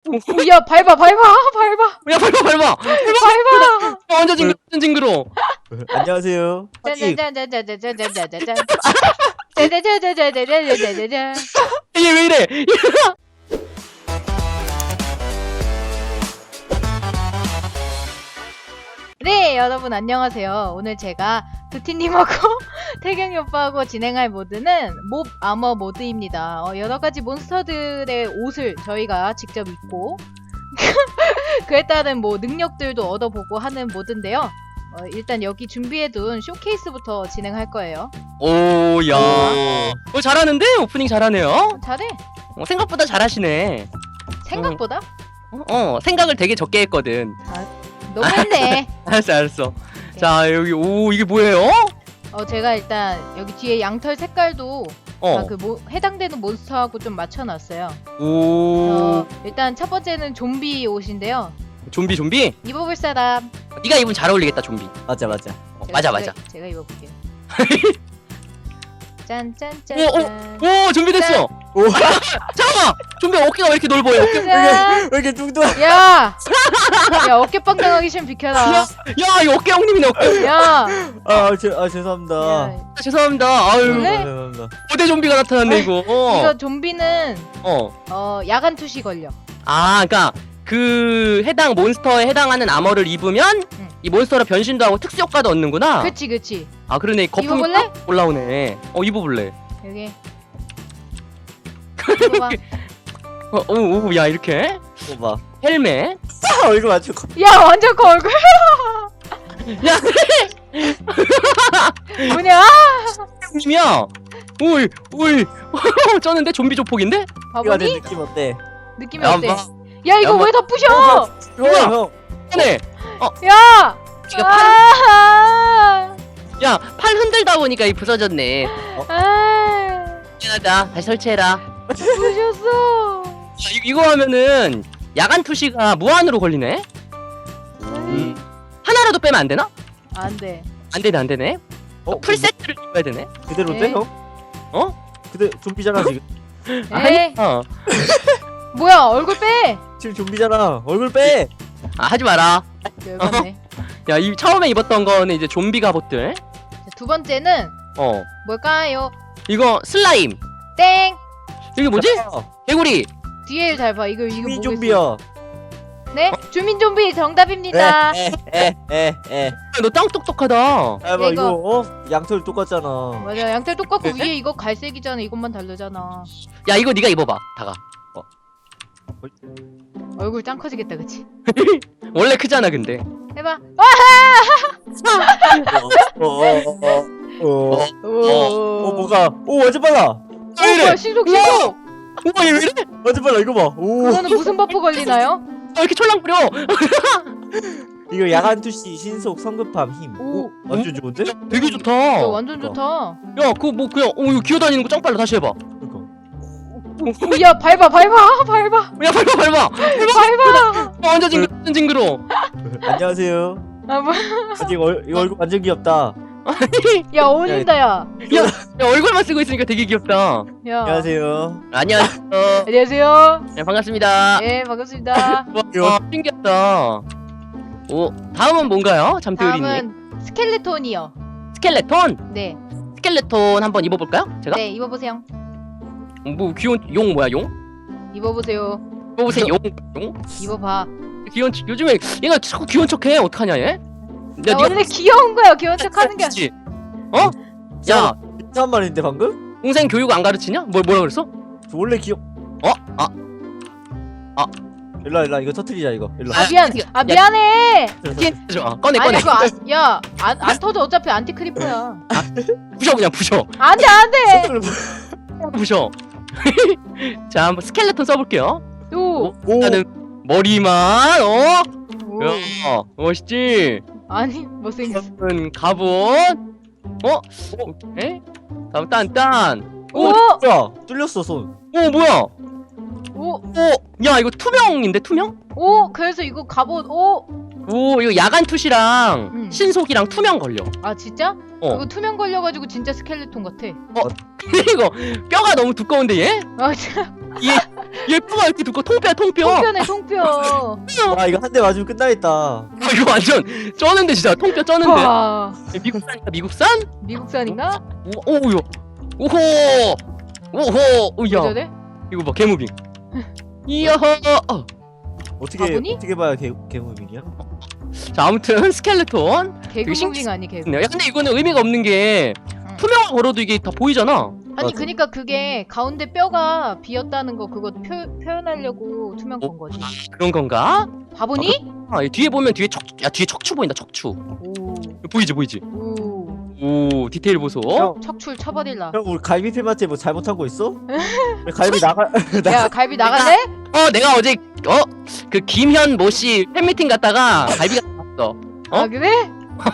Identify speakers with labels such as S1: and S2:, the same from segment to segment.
S1: 야, 밟아.
S2: 야 밟아. 완전 징그러.
S3: 안녕하세요.
S1: 짠짠짠짠짠짠짠짠짠. 짠짠짠짠짠짠짠짠짠.
S2: 얘 왜 이래?
S1: 네, 여러분 안녕하세요. 오늘 제가 두티님하고 태경이 오빠하고 진행할 모드는 몹 아머 모드입니다. 여러 가지 몬스터들의 옷을 저희가 직접 입고 그에 따른 뭐 능력들도 얻어보고 하는 모드인데요. 일단 여기 준비해둔 쇼케이스부터 진행할 거예요.
S2: 오야. 잘하는데? 오프닝 잘하네요.
S1: 잘해.
S2: 생각보다 잘하시네.
S1: 생각보다?
S2: 생각을 되게 적게 했거든.
S1: 너무했네.
S2: 알았어. 자, 여기, 이게 뭐예요?
S1: 제가 일단 여기 뒤에 양털 색깔도 해당되는 몬스터하고 좀 맞춰놨어요. 일단 첫 번째는 좀비 옷인데요.
S2: 좀비?
S1: 입어볼 사람.
S2: 네가 입으면 잘 어울리겠다, 좀비.
S3: 맞아.
S2: 맞아.
S1: 제가 입어볼게요. 짠짠짠.
S2: 오, 좀비 됐어.
S3: 오.
S2: 잠깐만. 좀비 어깨가 왜 이렇게 넓어요?
S1: 짠.
S3: 왜 이렇게 뚱뚱해?
S1: 야, 어깨빵 당하기 싫으면 비켜라.
S2: 야, 이거 어깨 형님이네, 어깨.
S1: 야,
S3: 죄송합니다.
S1: 야,
S2: 죄송합니다. 아유,
S1: 원래?
S3: 죄송합니다.
S2: 고대 좀비가 나타났네, 이거.
S1: 이거 좀비는 야간 투시 걸려.
S2: 그러니까 그 해당 몬스터에 해당하는 아머를 입으면 이 몬스터로 변신도 하고 특수 효과도 얻는구나.
S1: 그치.
S2: 그러네. 거품이
S1: 입어볼래?
S2: 딱 올라오네. 입어볼래.
S1: 여기. 입어봐.
S2: 야, 이렇게
S3: 봐.
S2: 헬멧.
S3: 얼굴 맞춰.
S1: 야, 완전 커 얼굴.
S2: 야,
S1: 뭐냐?
S2: 형님이야. 오이. 쩌는데 좀비 조폭인데?
S3: 이거 내
S1: 바보니?
S3: 느낌 어때?
S1: 느낌이
S2: 야,
S1: 어때?
S2: 봐.
S1: 야, 이거 왜 다 부셔?
S3: 형.
S2: 네.
S1: 야!
S2: 지가
S1: 아!
S2: 야, 팔 흔들다 보니까 이 부서졌네.
S1: 아!
S2: 미안하다. 다시 설치해라.
S1: 부셨어.
S2: 이거 하면은 야간 투시가 무한으로 걸리네. 하나라도 빼면 안 되나?
S1: 안 돼.
S2: 안 되네. 풀 세트를 입어야 되네.
S3: 그대로
S1: 네.
S3: 돼 형? 그대 좀비잖아 지금.
S1: 에이, 뭐야? 얼굴 빼.
S3: 지금 좀비잖아. 얼굴 빼.
S2: 하지 마라.
S1: 열받네.
S2: 야, 이 처음에 입었던 거는 이제 좀비 갑옷들.
S1: 자, 두 번째는 뭘까요?
S2: 이거 슬라임.
S1: 땡.
S2: 이게 뭐지? 개구리.
S1: 뒤에 잘 봐. 이거
S3: 주민
S1: 뭐겠어?
S3: 좀비야.
S1: 네? 주민 좀비 정답입니다.
S3: 에.
S2: 너 짱 똑똑하다.
S3: 봐 이거 양털 똑같잖아.
S1: 맞아. 양털 똑같고
S2: 네?
S1: 위에 이거 갈색이잖아. 이것만 다르잖아.
S2: 야, 이거 네가 입어봐. 다가.
S1: 얼굴 짱 커지겠다, 그치?
S2: 원래 크잖아, 근데.
S1: 해봐.
S3: 뭐가? 완전 빨라.
S2: 왜 이래?
S1: 뭐야, 신속.
S2: 얘 왜 이래?
S3: 완전 빨라. 이거 봐. 오.
S1: 그거는 무슨 버프 걸리나요?
S2: 이렇게 촐랑거려?
S3: 이거 야간 투시 신속 성급함 힘.
S1: 오.
S3: 완전 좋은데?
S2: 되게 좋다.
S1: 이거 완전 좋다.
S2: 야, 그거 뭐 그냥 이거 기어다니는 거 짱 빨라. 다시 해봐.
S3: 그러니까.
S1: 야, 밟아.
S2: 야, 밟아. 완전 징그러.
S3: 안녕하세요.
S1: 뭐?
S3: 이거 얼굴 완전 귀엽다.
S1: 야, 어울린다, 야.
S2: 야, 얼굴만 쓰고 있으니까 되게 귀엽다.
S1: 야.
S3: 안녕하세요.
S2: 안녕하세요.
S1: 안녕하세요.
S2: 네, 반갑습니다.
S1: 예, 반갑습니다.
S2: 신기하다. 다음은 뭔가요? 잠들이님.
S1: 다음은 스켈레톤이요.
S2: 스켈레톤?
S1: 네.
S2: 스켈레톤 한번 입어볼까요? 제가?
S1: 네, 입어보세요.
S2: 뭐 귀여운 용 뭐야 용?
S1: 입어보세요.
S2: 입어보세요 용?
S1: 입어봐.
S2: 귀여운 요즘에 얘가 자꾸 귀여운 척해. 어떡하냐 얘?
S1: 야, 원래 귀여운 거야. 귀여운 척 하는 게.
S2: 그치? 야,
S3: 이상한 말인데 방금?
S2: 동생 교육 안 가르치냐? 뭐라 그랬어?
S3: 저 원래 귀엽. 일로 이거 터트리자 이거. 일로.
S1: 미안해.
S2: 꺼내.
S1: 아니, 그거 안 터져. 어차피 안티크리퍼야.
S2: 부셔 그냥 부셔.
S1: 안 돼.
S2: 부셔. 자, 한번 스켈레톤 써볼게요.
S1: 오.
S2: 나는 머리만
S1: 오.
S2: 야, 멋있지?
S1: 아니, 못생겼어.
S2: 다음은 갑옷. 오케이. 다음 딴.
S1: 오.
S3: 뭐야? 뚫렸어 손.
S2: 뭐야?
S1: 오.
S2: 야, 이거 투명인데 투명?
S1: 오. 그래서 이거 갑옷. 오.
S2: 이거 야간 투시랑 신속이랑 투명 걸려.
S1: 아, 진짜? 이거 투명 걸려가지고 진짜 스켈레톤 같아.
S2: 이거 뼈가 너무 두꺼운데 얘?
S1: 아, 진짜.
S2: 얘가 이렇게 두꺼 통뼈야 통뼈.
S1: 통뼈네 통뼈.
S3: 와 이거 한 대 맞으면 끝나겠다.
S2: 아, 이거 완전 쩌는데 진짜 통뼈 쩌는데.
S1: 와
S2: 미국산이다 미국산?
S1: 미국산인가?
S2: 오야. 오호. 오호.
S1: 왜
S2: 오야.
S1: 저래?
S2: 이거 봐 개무빙. 이야.
S1: 바보니?
S3: 어떻게 봐야 개무빙이야?
S2: 자 아무튼 스켈레톤.
S1: 개그무빙 아니 개그.
S2: 야 근데 이거는 의미가 없는 게 투명화 걸어도 이게 다 보이잖아.
S1: 아니
S3: 맞아.
S1: 그니까 그게 가운데 뼈가 비었다는 거 그거 표현하려고 투명 건 거지.
S2: 그런 건가?
S1: 바보니?
S2: 아, 이 뒤에 보면 뒤에 뒤에 척추 보인다 척추.
S1: 오.
S2: 보이지 보이지.
S1: 오.
S2: 오 디테일 보소.
S3: 형,
S1: 척출 쳐버릴라.
S3: 형 우리 갈비필한테 뭐 잘못한 거 있어? 왜 갈비 나가
S1: 야 갈비 나갈래?
S2: 내가 어제 그 김현 모씨 팬미팅 갔다가 갈비가 나왔어.
S1: 아 그래?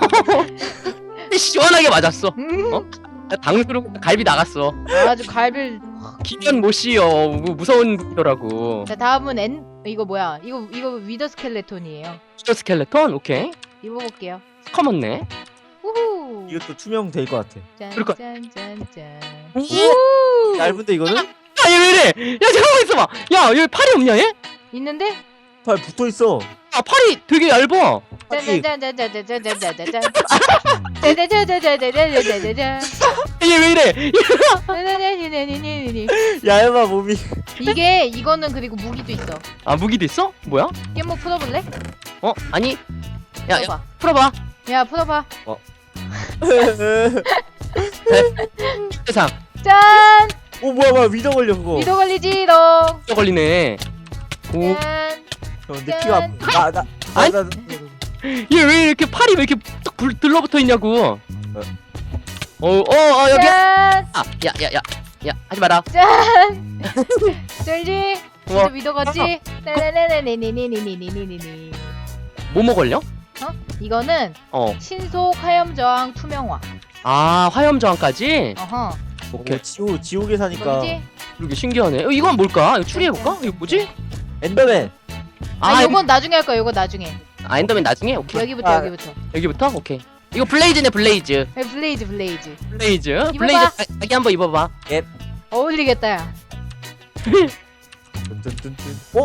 S2: 시원하게 맞았어.
S1: 음.
S2: 당수로 갈비 나갔어.
S1: 아주 갈비를.
S2: 김현 모씨요 무서운 분이더라고.
S1: 자 다음은 이거 뭐야? 이거 위더 스켈레톤이에요.
S2: 슈터 스켈레톤 오케이.
S1: 입어볼게요.
S2: 커먼네.
S1: 우후.
S3: 이것도 투명 될 것 같아.
S2: 그럴 거-
S1: 짠짠짠짠.
S2: 오.
S1: 우.
S3: 얇은데 이거는?
S2: 야얘 왜 이래? 야 잠깐만 있어봐. 야 여기 팔이 없냐 얘?
S1: 있는데?
S3: 팔 붙어 있어.
S2: 아 팔이 되게 얇아.
S1: 짠짠짠짠짠짠짠짠짠짠. 짠짠짠짠짠짠짠짠짠.
S2: 얘 왜 이래?
S3: 얇아 몸이.
S1: 이거는 그리고 무기도 있어.
S2: 아 무기도 있어? 뭐야?
S1: 깻목 풀어볼래?
S2: 아니. 야
S1: 풀어봐.
S2: 풀어봐.
S1: 야 풀어봐.
S2: 세상.
S1: 짠.
S3: 오 뭐야 위더 걸려 그거.
S1: 미도 걸리지롱.
S2: 또 걸리네. 오.
S1: 짠.
S3: 형 느끼가
S2: 아니. 얘 왜 이렇게 팔이 왜 이렇게 딱 들러붙어 있냐고. 여기.
S1: 짠.
S2: 야 하지 마라.
S1: 짠. 쩔지.
S2: 우와.
S1: 진짜 미도 같지? 네네네네네네네네네네네.
S2: 뭐뭐 걸려?
S1: 이거는 신속 화염 저항 투명화.
S2: 아 화염 저항까지.
S1: 어허.
S2: 오케이.
S3: 지옥에 사니까.
S1: 뭐지?
S2: 이게 신기하네. 이건 뭘까? 이거 추리해 볼까? 이거 뭐지?
S3: 엔더맨.
S1: 요건 나중에 할 거야. 요건 나중에.
S2: 엔더맨 나중에. 오케이.
S1: 여기부터
S3: 아.
S1: 여기부터.
S2: 여기부터. 오케이. 이거 블레이즈네 블레이즈.
S1: 블레이즈.
S2: 블레이즈.
S1: 입어봐.
S2: 블레이즈 자기 한번 입어봐.
S1: 어울리겠다 야.
S3: 뚠뚠뚠뚠.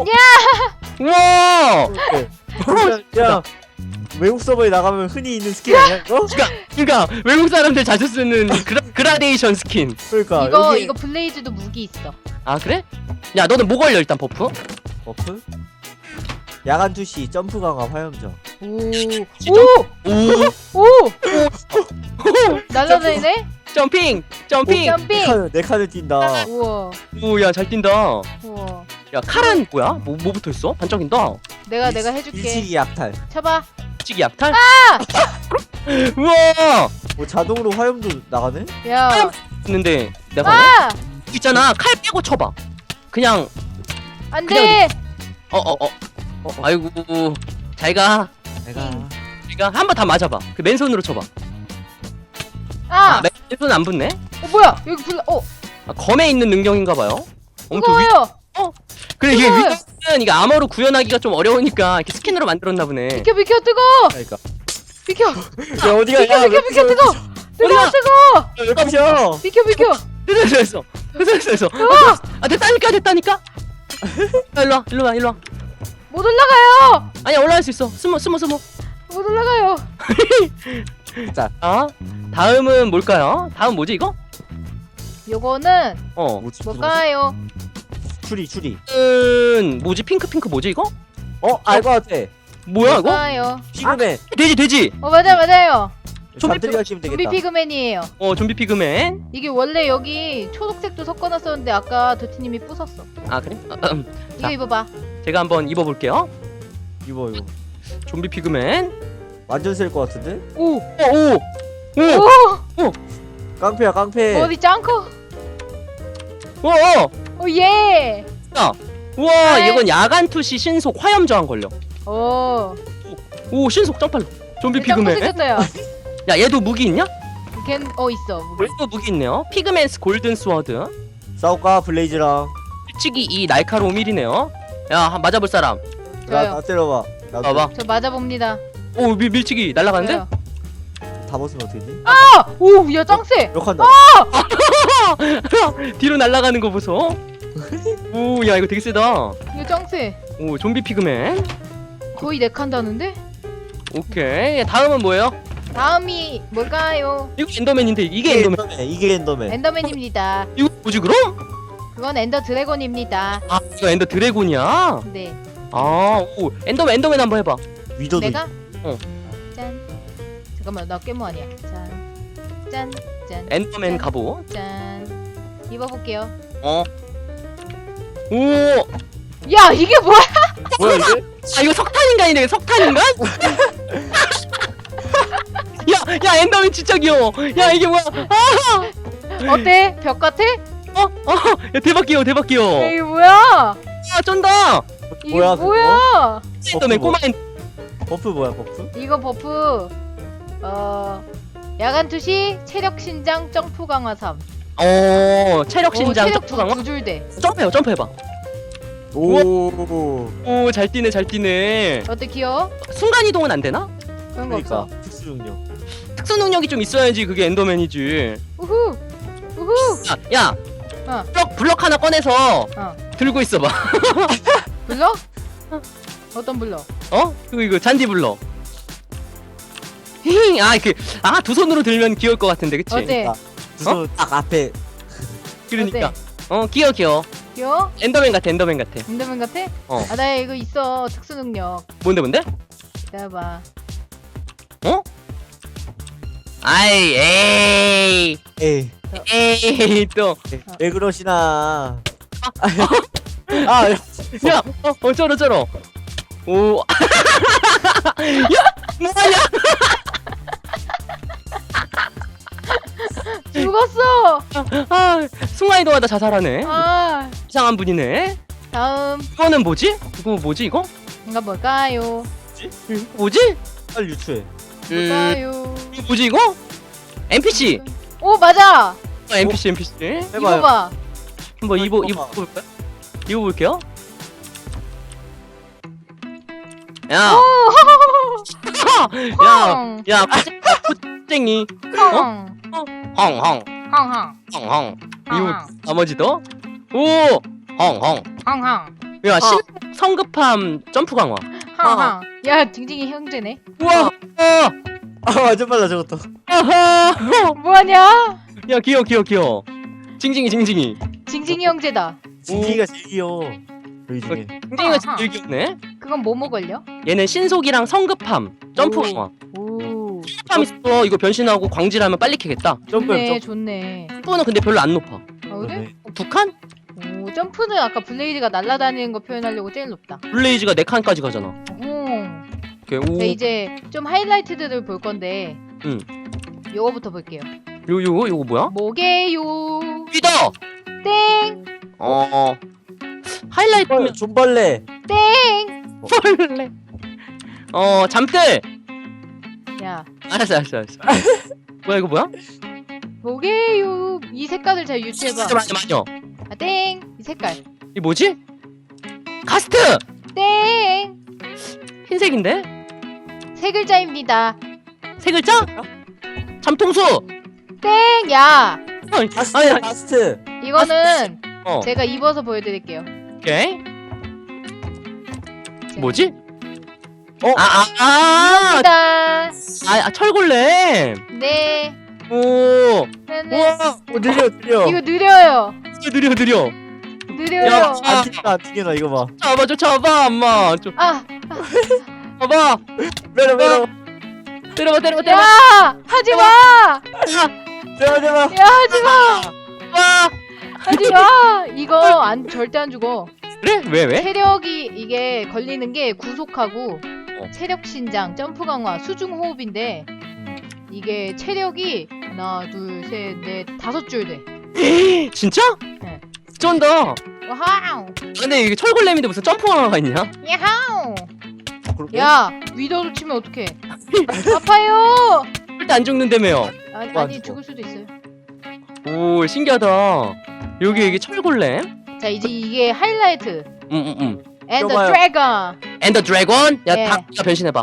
S2: 우와.
S3: 야 외국 서버에 나가면 흔히 있는 스킨 아니야 이거?
S2: 그러니까 외국 사람들 자주 쓰는 그라데이션 스킨.
S3: 그러니까
S1: 이거 블레이즈도 무기 있어.
S2: 아 그래? 야 너는 뭐 걸려 일단 버프?
S3: 버프? 야간 투시 점프 강화 화염정.
S1: 오.
S2: 오.
S1: 오. 날라다니네?
S2: 점핑.
S1: 점핑.
S3: 내 칸을 뛴다.
S1: 우와.
S2: 오야 잘 뛴다.
S1: 우와.
S2: 야 칼은 뭐야? 뭐 붙어 있어? 반짝인다.
S1: 내가 해줄게.
S3: 일식이 약탈.
S1: 쳐봐.
S2: 찌기 약탈? 우와.
S3: 뭐 자동으로 화염도 나가네?
S1: 야.
S2: 있는데 내가
S1: 아!
S2: 있잖아 칼 빼고 쳐봐. 그냥
S1: 안돼.
S2: 아이고 잘가.
S3: 내가
S2: 한번 다 맞아봐. 그 맨손으로 쳐봐.
S1: 아.
S2: 맨손 안 붙네.
S1: 뭐야? 여기
S2: 검에 있는 능력인가봐요.
S1: 이거예요.
S2: 그래 이게
S1: 뜨거워요.
S2: 위는 이게 암호로 구현하기가 좀 어려우니까 이렇게 스킨으로 만들었나 보네.
S1: 비켜 뜨거.
S3: 그러니까.
S1: 비켜.
S3: 야 어디가?
S1: 비켜 뜨거.
S2: 어디가?
S1: 뜨거.
S3: 왜 깜쳐?
S1: 비켜.
S2: 됐어. 아 됐다니까. 야, 일로 와.
S1: 못 올라가요.
S2: 아니야 올라갈 수 있어. 숨어.
S1: 못 올라가요.
S2: 자, 다음은 뭘까요? 다음 뭐지 이거?
S1: 요거는
S3: 뭐지?
S1: 뭘까요?
S3: 추리.
S2: 뭐지 핑크 뭐지 이거?
S3: 알 것 같아.
S2: 뭐야 이거?
S1: 뭘까요?
S3: 피그맨.
S2: 돼지.
S1: 맞아요.
S3: 잠들이가 키면
S1: 좀비
S3: 되겠다.
S1: 피그맨이에요.
S2: 좀비 피그맨.
S1: 이게 원래 여기 초록색도 섞어놨었는데 아까 도티님이 부쉈어.
S2: 아 그래?
S1: 이거
S2: 자.
S1: 입어봐.
S2: 제가 한번 입어볼게요.
S3: 이거
S2: 좀비 피그맨.
S3: 완전 셀 것 같은데?
S1: 오.
S2: 오.
S3: 깡패야 깡패.
S1: 어디 짱커?
S2: 오.
S1: 예.
S2: 우와
S1: 네.
S2: 이건 야간 투시 신속 화염 저항 걸려.
S1: 오.
S2: 신속 점팔로. 좀비
S1: 짱커
S2: 피그맨.
S1: 생겼다 야.
S2: 야 얘도 무기 있냐?
S1: 있어. 무기.
S2: 얘도 무기 있네요. 피그맨스 골든 스워드.
S3: 싸울까 블레이즈랑.
S2: 밀치기 2 날카로움 1이네요. 야 맞아볼 사람.
S1: 저요.
S3: 나 때려봐. 나
S2: 봐봐.
S1: 저 맞아봅니다.
S2: 오 밀치기 날라가는데?
S1: 저요.
S3: 다 벗으면 어떻게 돼?
S1: 오, 야 짱세.
S3: 욕한다.
S2: 뒤로 날아가는 거 보소. 오, 야, 이거 되게 세다.
S1: 이거 짱세.
S2: 오, 좀비 피그맨.
S1: 거의 4칸다는데?
S2: 오케이. 다음은 뭐예요?
S1: 다음이 뭘까요?
S2: 이거 엔더맨인데, 이게 엔더맨.
S3: 이게 엔더맨.
S1: 엔더맨입니다.
S2: 이거 뭐지, 그럼?
S1: 그건 엔더 드래곤입니다.
S2: 아, 이거 엔더 드래곤이야?
S1: 네.
S2: 아, 오, 엔더맨 한번 해봐.
S3: 위도도.
S1: 내가?
S2: 어.
S1: 짠. 잠깐만, 나 깨모 아니야. 짠. 짠. 짠.
S2: 엔더맨
S1: 짠.
S2: 갑옷.
S1: 짠. 입어볼게요.
S2: 어. 오,
S1: 야, 이게 뭐야?
S3: 뭐야 이게?
S2: 아, 이거 석탄인간이네, 석탄인간? 야, 엔더맨 진짜 귀여워. 야, 이게 뭐야?
S1: 어때? 벽 같아?
S2: 야, 대박 귀여워, 대박 귀여워.
S1: 야, 이게 뭐야?
S2: 아, 쩐다.
S1: 이게
S3: 뭐야,
S1: 뭐야?
S2: 엔더맨,
S3: 뭐?
S2: 꼬마
S3: 버프 뭐야 버프?
S1: 이거 버프 야간 투시 체력 신장 점프 강화 3.
S2: 체력 신장
S1: 체력
S2: 점프 강화?
S1: 두 줄대.
S2: 점프해봐.
S3: 오.
S2: 오, 잘 뛰네.
S1: 어때 귀여워?
S2: 순간 이동은 안 되나?
S1: 그런 거
S3: 그러니까
S1: 없어.
S3: 특수 능력.
S2: 특수 능력이 좀 있어야지 그게 엔더맨이지.
S1: 우후. 우후.
S2: 야,
S1: 어.
S2: 블럭 하나 꺼내서
S1: 어.
S2: 들고 있어봐.
S1: 블럭? 어떤 블럭?
S2: 어? 이거 잔디 블럭. 힝, 두 손으로 들면 귀여울 것 같은데, 그치?
S1: 어때?
S3: 두손 딱 앞에.
S2: 그러니까. 귀여워.
S1: 귀여워?
S2: 엔더맨 같아.
S1: 엔더맨 같아?
S2: 어.
S1: 아, 나 이거 있어. 특수 능력.
S2: 뭔데?
S1: 기다려봐.
S2: 아이,
S3: 에이.
S2: 에이, 또.
S3: 왜 그러시나. 아,
S2: 야, 쩔어. 오. 야, 뭐하냐?
S1: 죽었어.
S2: 순간 이동하다 자살하네.
S1: 아,
S2: 이상한 분이네.
S1: 다음
S2: 이거는 뭐지? 이거?
S1: 이거 뭘까요?
S2: 뭐지?
S3: 빨리 유추해.
S1: 뭘까요?
S2: 이거 뭐지 이거? NPC.
S1: 오, 맞아.
S2: NPC.
S3: 해봐요.
S1: 이거 봐.
S2: 한번
S3: 이거
S2: 입어볼까요? 입어볼게요. 야,
S1: 헝.
S2: 야, 코쟁이.
S1: 헝.
S2: 헝.
S1: 헝.
S2: 이거 나머지도. 오, 헝.
S1: 헝.
S2: 야, 성급함 점프 강화.
S1: 헝. 야, 징징이 형제네.
S2: 우와.
S3: 아 완전 빨라 저것도.
S2: 아하.
S1: 뭐하냐?
S2: 야, 귀여워. 징징이.
S1: 징징이 형제다.
S3: 진기가 제일 귀여워. 여기 중에.
S2: 징징이가 제일 귀엽네.
S1: 그건 뭐뭐 걸려?
S2: 얘는 신속이랑 성급함 점프
S3: 오.
S2: 강화.
S1: 오.
S2: 성급함 있어. 이거 변신하고 광질하면 빨리 캐겠다.
S1: 좋네,
S3: 점프.
S1: 좋네.
S2: 점프는 근데 별로 안 높아.
S1: 아, 그래?
S2: 두 칸?
S1: 오, 점프는 아까 블레이드가 날아다니는 거 표현하려고 제일 높다.
S2: 블레이즈가 네 칸까지 가잖아.
S1: 오.
S2: 오케이. 오.
S1: 자, 이제 좀 하이라이트들을 볼 건데. 요거부터 볼게요.
S2: 요거 뭐야?
S1: 뭐게요?
S2: 리더.
S1: 땡!
S2: 하이라이트면
S3: 존벌레.
S1: 땡!
S2: 벌레. 잠들.
S1: 야,
S2: 알았어. 뭐야 이거 뭐야?
S1: 뭐게요? 이 색깔을 잘 유추해봐.
S2: 맞아.
S1: 아, 땡! 이 색깔.
S2: 이 뭐지? 가스트.
S1: 땡!
S2: 흰색인데?
S1: 세 글자입니다.
S2: 세 글자? 잠통수.
S1: 땡! 야!
S3: 바스트.
S2: 아니,
S3: 바스트.
S1: 이거는
S2: 어.
S1: 제가 입어서 보여드릴게요.
S2: 오케이.
S1: 자,
S2: 뭐지?
S1: 이겁니다.
S2: 철골렘.
S1: 네.
S2: 오.
S1: 네네.
S2: 우와.
S3: 느려.
S1: 이거 느려요.
S2: 느려.
S1: 느려요.
S2: 야,
S3: 안 튕겨나 이거 봐.
S2: 잡아, 엄마. 좀
S1: 아,
S2: 봐봐.
S3: 메로.
S2: 때려봐.
S1: 야! 하지 마!
S3: 제발.
S1: 야, 하지 마!
S2: 와.
S1: 하지 마! 이거 절대 안 죽어.
S2: 그래? 왜?
S1: 체력이 이게 걸리는 게 구속하고
S2: 어.
S1: 체력 신장, 점프 강화, 수중 호흡인데 이게 체력이 하나, 둘, 셋, 넷, 5줄 돼.
S2: 진짜?
S1: 네.
S2: 쩐다.
S1: 와우!
S2: 근데 이게 철골렘인데 무슨 점프 강화가 있냐?
S1: 야하우!
S3: 그렇게?
S1: 야, 위더로 치면 어떡해? 아파요!
S2: 절대 안 죽는다며요.
S1: 아니,
S3: 안
S1: 아니
S3: 죽어.
S1: 죽을 수도 있어요.
S2: 오, 신기하다. 여기 이게 철골렘?
S1: 자, 이제 이게 하이라이트.
S2: And
S1: And the
S3: 껴봐요.
S1: Dragon.
S2: the Dragon? 야,
S1: 예.
S2: 다 변신해봐.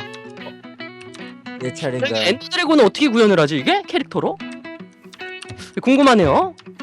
S3: 내 차례인가.
S2: 엔더 드래곤은 어떻게 구현을 하지 이게? 캐릭터로? 궁금하네요.